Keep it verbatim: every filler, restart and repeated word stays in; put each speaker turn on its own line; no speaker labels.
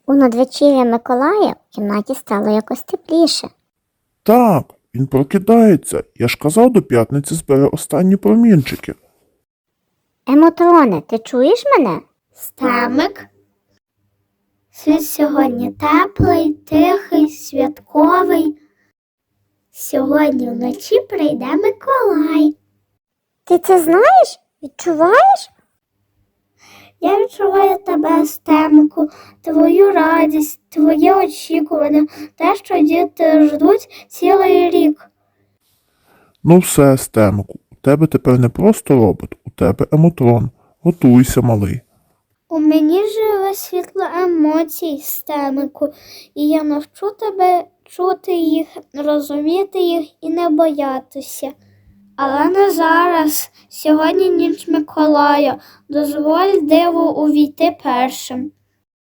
У надвечір'я Миколая в кімнаті стало якось тепліше.
Так, він прокидається. Я ж казав, до п'ятниці збере останні промінчики.
Емотроне, ти чуєш мене?
Стемик. Світ сьогодні теплий, тихий, святковий. Сьогодні вночі прийде Миколай.
Ти це знаєш? Відчуваєш?
Я відчуваю тебе, Стемику, твою радість, твоє очікування, те, що діти ждуть цілий рік.
Ну все, Стемику, у тебе тепер не просто робот, у тебе емотрон. Готуйся, малий.
У мені живе світло емоцій, Стемику, і я навчу тебе чути їх, розуміти їх і не боятися. Але не зараз. Сьогодні ніч Миколая. Дозволь диву увійти першим.